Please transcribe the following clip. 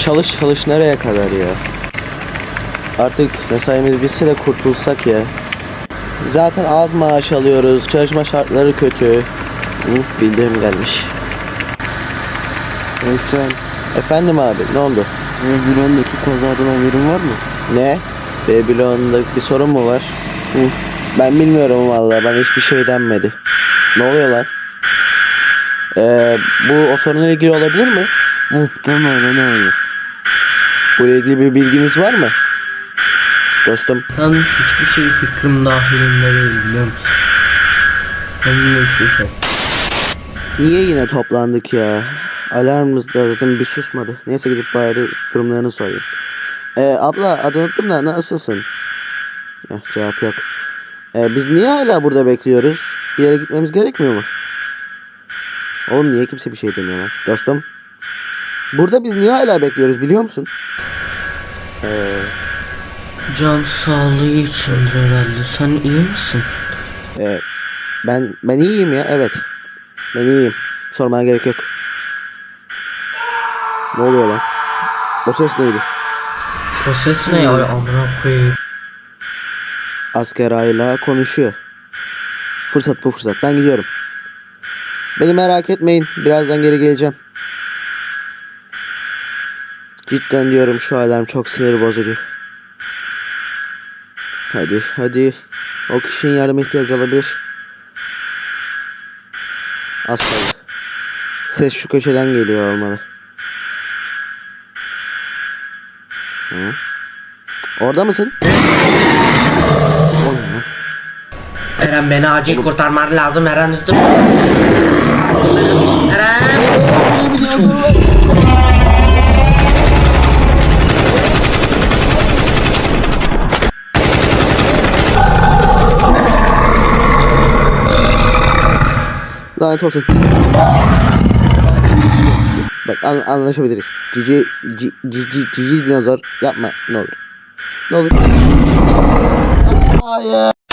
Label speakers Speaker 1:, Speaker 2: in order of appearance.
Speaker 1: çalış nereye kadar ya? Artık mesaimiz bitse de kurtulsak ya. Zaten az maaş alıyoruz. Çalışma şartları kötü. Bildirim gelmiş.
Speaker 2: Sen
Speaker 1: Efendim abi, ne oldu?
Speaker 2: Bülent'teki kazadan haberin var mı?
Speaker 1: Ne? Babylon'da bir sorun mu var? Ben bilmiyorum vallahi, bana hiçbir şey denmedi. Ne oluyor lan? Bu o sorunla ilgili olabilir mi?
Speaker 2: Muhtemelen öyle.
Speaker 1: Bununla ilgili bir bilginiz var mı? Dostum.
Speaker 3: Ben hiçbir şey fikrim dahilinde değil, biliyor musun? Ben yine hiçbir şey.
Speaker 1: Niye yine toplandık ya? Alarmımız da zaten bir susmadı. Neyse, gidip bari durumlarını sorayım. Abla, adını unuttum da nasılsın? Cevap yok. Biz niye hala burada bekliyoruz? Bir yere gitmemiz gerekmiyor mu? Oğlum, niye kimse bir şey demiyor lan? Dostum. Burada biz niye hala bekliyoruz, biliyor musun?
Speaker 3: Can sağlığı içindir herhalde. Sen iyi misin?
Speaker 1: Ben iyiyim ya, evet. Ben iyiyim. Sormana gerek yok. Ne oluyor lan? O ses neydi?
Speaker 3: O ses ne ya? Amına koyayım.
Speaker 1: Asker hala konuşuyor. Fırsat bu fırsat. Ben gidiyorum. Beni merak etmeyin. Birazdan geri geleceğim. Cidden diyorum, şu alarm çok sinir bozucu. Hadi. O kişinin yardıma ihtiyacı olabilir. Az kaldı. Ses şu köşeden geliyor olmalı. Orada mısın?
Speaker 3: Eren, beni acil kurtarman lazım. Eren üstüm. Eren.
Speaker 1: Lanet olsun. Bak, anlaşabiliriz. Cici dinozor yapma, ne olur. Ne olur. Hayır.